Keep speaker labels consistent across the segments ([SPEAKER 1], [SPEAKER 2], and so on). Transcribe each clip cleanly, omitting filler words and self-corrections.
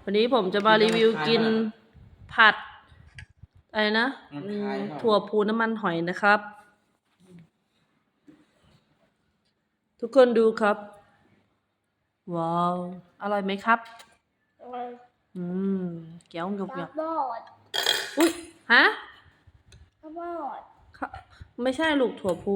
[SPEAKER 1] วันนี้ผมจะมารีวิวกินผัดอะไรนะถั่วพูน้ำมันหอยนะครับทุกคนดูครับว้าวอร่อยไหมครับเกี๊ยวกับ
[SPEAKER 2] ข้าวบด
[SPEAKER 1] อุ้ยฮะ
[SPEAKER 2] ข้าวบด
[SPEAKER 1] ไม่ใช่ลูกถั่วพู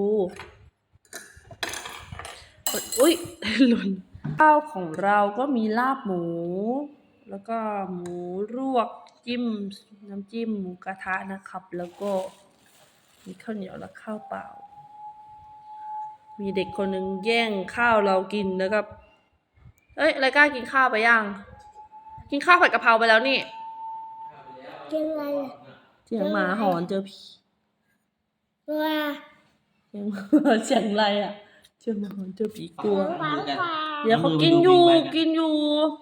[SPEAKER 1] อุ้ยหล่นข้าวของเราก็มีลาบหมูแล้วก็หมูลวกจิ้มน้ำจิ้มหมูกระทะนะครับแล้วก็มีข้าวเหนียวและข้าวเปล่ามีเด็กคนหนึ่งแย่งข้าวเรากินแล้วก็เอ้ยอะไรกล้ากินข้าวไปยังกินข้าวผัดกะเพราไปแล้วนี่
[SPEAKER 2] เจียงอะไร
[SPEAKER 1] เสียงหมาหอนเจอผี
[SPEAKER 2] ว่า
[SPEAKER 1] เสียงอะไรอ่ะเจอหมาหอนเจอผีกลัวเดี๋ยว
[SPEAKER 2] เขา
[SPEAKER 1] เขากินอยู่
[SPEAKER 2] เขากินอยู่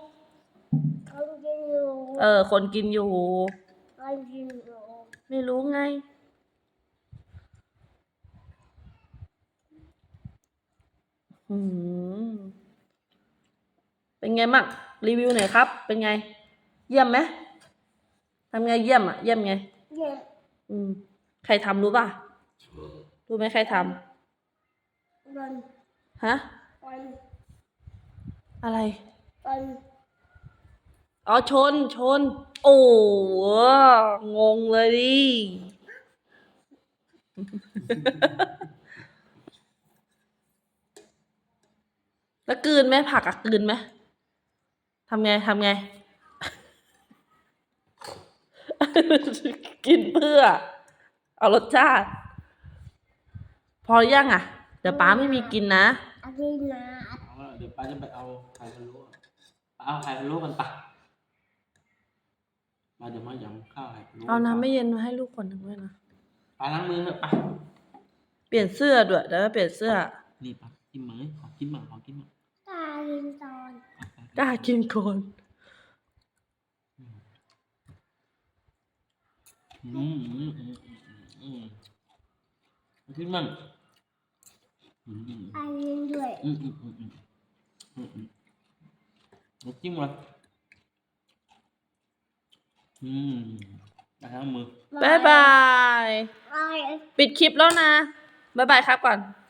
[SPEAKER 1] คนกินอยู่
[SPEAKER 2] คนกินอยู่
[SPEAKER 1] ไม่รู้ไงเป็นไงมั่งรีวิวหน่อยครับเป็นไงเยี่ยมไหมทำไงเยี่ยมอ่ะเยี่ยมไง
[SPEAKER 2] เยี่ยม
[SPEAKER 1] ใครทำรู้ป่ะรู้ไหมใครทำฮะอะไรอ๋อชนโอ้งงเลยดิแล้วกลืนไหมผักอะกลืนไหมทำไงกินเพื่อเอารสชาติพอยังอ่ะเดี๋ยวป้าไม่มีกินนะ
[SPEAKER 2] กินนะ
[SPEAKER 3] เดี๋ยวป้าจะไปเอาไข่พะโล้เอาไข่พะโล้กันปะมาเดี๋ยวมาหยำข้าวไข่พะโล้
[SPEAKER 1] เอาน้ำไม่เย็นมาให้ลูกคนหนึ่งด้วยนะ
[SPEAKER 3] ป้าล้างมือเถอะปะ
[SPEAKER 1] เปลี่ยนเสื้อด้วยเดี๋ยวเปลี่ยนเสื้อ
[SPEAKER 3] นี่ปะกินมั้ยขอกินมั้ง
[SPEAKER 2] กล้ากินตอน
[SPEAKER 1] กล้ากินก่อน
[SPEAKER 3] กินมั้ง
[SPEAKER 2] กินด้วย
[SPEAKER 3] จิ้มมาล้างมือ
[SPEAKER 1] บ๊ายบายปิดคลิปแล้วนะบ๊ายบายครับก่อน